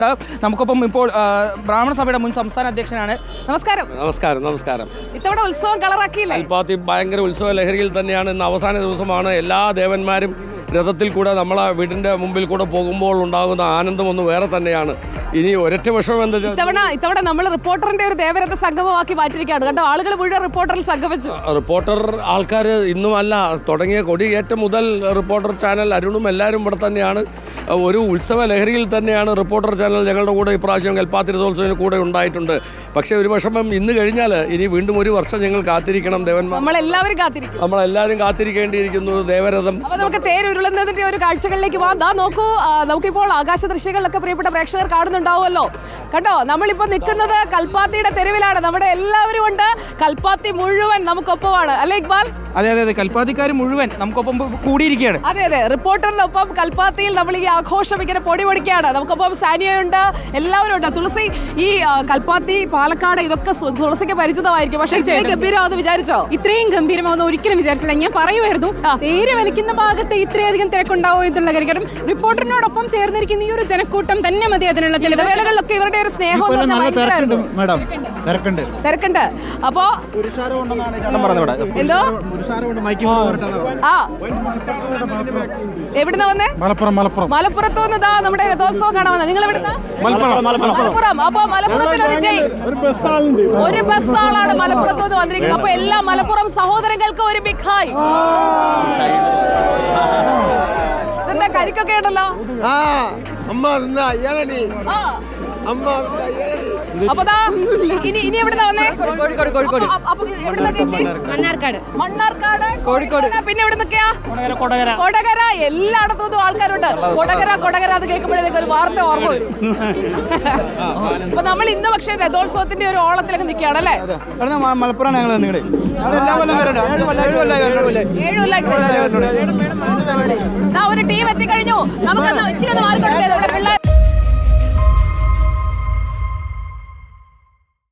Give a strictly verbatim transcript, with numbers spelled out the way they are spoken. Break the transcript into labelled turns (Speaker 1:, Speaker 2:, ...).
Speaker 1: നമുക്കൊപ്പം ഇപ്പോൾ ബ്രാഹ്മണ സഭയുടെ മുൻ സംസ്ഥാന അധ്യക്ഷനാണ്. നമസ്കാരം.
Speaker 2: നമസ്കാരം നമസ്കാരം
Speaker 1: ഇത്തവണ ഉത്സവം കളറാക്കിയില്ലേ?
Speaker 2: കൽപ്പാത്തി ഭയങ്കര ഉത്സവ ലഹരിയിൽ തന്നെയാണ്. ഇന്ന് അവസാന ദിവസമാണ്. എല്ലാ ദേവന്മാരും രഥത്തിൽ കൂടെ നമ്മളെ വീടിൻ്റെ മുമ്പിൽ കൂടെ പോകുമ്പോൾ ഉണ്ടാകുന്ന ആനന്ദം ഒന്ന് വേറെ തന്നെയാണ്. ഇനി ഒരൊറ്റ വിഷമം എന്താ
Speaker 1: ഇത്തവണ ഇത്തവണ നമ്മൾ റിപ്പോർട്ടറിന്റെ ഒരു ദേവരഥ സംഗമമാക്കി മാറ്റിയിരിക്കുകയാണ്. കണ്ടോ, ആളുകൾ മുഴുവൻ റിപ്പോർട്ടറിൽ സംഗമിച്ചു.
Speaker 2: റിപ്പോർട്ടർ ആൾക്കാർ ഇന്നുമല്ല തുടങ്ങിയ കൊടിയേറ്റം മുതൽ റിപ്പോർട്ടർ ചാനൽ അരുണും എല്ലാവരും ഇവിടെ തന്നെയാണ്. ഒരു ഉത്സവ ലഹരിയിൽ തന്നെയാണ് റിപ്പോർട്ടർ ചാനൽ ഞങ്ങളുടെ കൂടെ ഇപ്രാവശ്യം കൽപ്പാത്തി രഥോത്സവത്തിന് കൂടെ ഉണ്ടായിട്ടുണ്ട്. പക്ഷേ ഒരു വിഷമം ഇന്ന് കഴിഞ്ഞാൽ ഇനി വീണ്ടും ഒരു വർഷം ഞങ്ങൾ കാത്തിരിക്കണം. ദേവന്മാർ നമ്മളെല്ലാവരും കാത്തിരിക്കും നമ്മളെല്ലാവരും കാത്തിരിക്കേണ്ടിയിരിക്കുന്നു. ദേവരഥം
Speaker 1: നമുക്ക് തേരുരുളുന്നതിന്റെ ഒരു കാഴ്ചകളിലേക്ക് പോകാം. നോക്കൂ, നമുക്കിപ്പോൾ ആകാശ ദൃശ്യങ്ങളിലൊക്കെ പ്രിയപ്പെട്ട പ്രേക്ഷകർ കാണുന്നുണ്ടാവുമല്ലോ. കണ്ടോ, നമ്മളിപ്പോ നിൽക്കുന്നത് കൽപ്പാത്തിയുടെ തെരുവിലാണ്. നമ്മുടെ എല്ലാവരും ഉണ്ട്. കൽപ്പാത്തി മുഴുവൻ നമുക്കൊപ്പമാണ്, അല്ലേ ഇക്ബാൽ?
Speaker 3: അതെ അതെ അതെ കൽപ്പാത്തിക്കാർ മുഴുവൻ നമുക്കൊപ്പം കൂടിയിരിക്കുകയാണ്.
Speaker 1: അതെ അതെ റിപ്പോർട്ടറിനൊപ്പം കൽപ്പാത്തിയിൽ നമ്മൾ ഈ ആഘോഷം ഇങ്ങനെ പൊടി പൊടിക്കുകയാണ്. നമുക്കൊപ്പം സാനിയുണ്ട്, എല്ലാവരും ഉണ്ട്. തുളസി, ഈ കൽപ്പാത്തി, പാലക്കാട് ഇതൊക്കെ തുളസിക്ക് പരിചിതമായിരിക്കും. പക്ഷേ ഇത്രയും ഗംഭീരമാണെന്ന് വിചാരിച്ചോ?
Speaker 4: ഇത്രയും ഗംഭീരമാവുന്ന ഒരിക്കലും വിചാരിച്ചില്ല. ഞാൻ പറയുമായിരുന്നു തേര് വലിക്കുന്ന ഭാഗത്ത് ഇത്രയധികം തിരക്കുണ്ടാവോ എന്നുള്ള കാര്യം. റിപ്പോർട്ടറിനോടൊപ്പം ചേർന്നിരിക്കുന്ന ഈ ഒരു ജനക്കൂട്ടം തന്നെ മതി അതിനുള്ള
Speaker 1: ഇടവേളകളിലൊക്കെ ഇവരുടെ ഒരു സ്നേഹം തിരക്കുണ്ട്. അപ്പോ എന്തോ ആ എവിടുന്ന വന്നേ? മലപ്പുറം. മലപ്പുറത്ത് വന്നതാ നമ്മുടെ രഥോത്സവം കാണാൻ വന്നത്. നിങ്ങൾ എവിടുന്ന? മലപ്പുറം. അപ്പൊ മലപ്പുറത്തിൽ ഒരു ബസ് ആളാണ് മലപ്പുറത്ത് നിന്ന് വന്നിരിക്കുന്നത്. അപ്പൊ എല്ലാ മലപ്പുറം സഹോദരങ്ങൾക്ക് ഒരു ബിഗ് ഹായ്. ഇതെന്താ കരിക്കൊക്കെ ഉണ്ടല്ലോ? അപ്പൊ ഇനി ഇനി എവിടുന്ന വന്നേ?
Speaker 4: മണ്ണാർക്കാട്.
Speaker 1: മണ്ണാർക്കാട്, കോഴിക്കോട്. പിന്നെ എവിടെ നിൽക്കയാ? കൊടകര. എല്ലായിടത്തും ആൾക്കാരുണ്ട്. കൊടകര കൊടകര അത് കേൾക്കുമ്പോഴേക്ക് ഒരു വാർത്ത ഓർമ്മ വരും. അപ്പൊ നമ്മൾ ഇന്ന് പക്ഷേ രഥോത്സവത്തിന്റെ ഒരു ഓളത്തിലൊക്കെ നിൽക്കുകയാണ്, അല്ലേ?
Speaker 3: മലപ്പുറം ഞങ്ങൾ
Speaker 1: ഏഴു കൊല്ലായിട്ട് ഒരു ടീം എത്തിക്കഴിഞ്ഞു. നമുക്ക് ഇച്ചിരി ഒന്ന് മാറിക്കൊണ്ട്